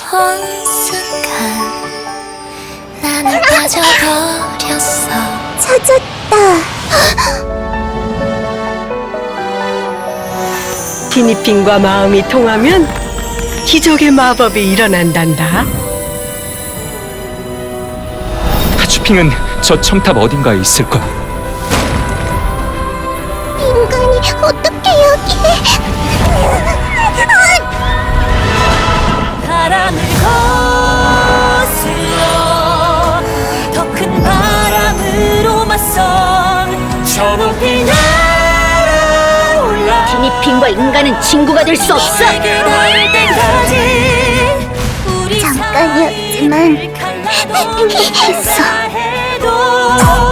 본 순간 나는 빠져버렸어. 찾았다. 티니핑과 마음이 통하면 기적의 마법이 일어난단다. 하츄핑은 저 첨탑 어딘가에 있을 거야. 인간이 어떻게 여기에? 바람을 거슬러 더 큰 바람으로 맞선 저 높이 날아올라. 티니핑과 인간은 친구가 될 수 없어. 내게 닿을 때까지 우리 잠깐이었지만 사이를 갈라도 행복했어. 해도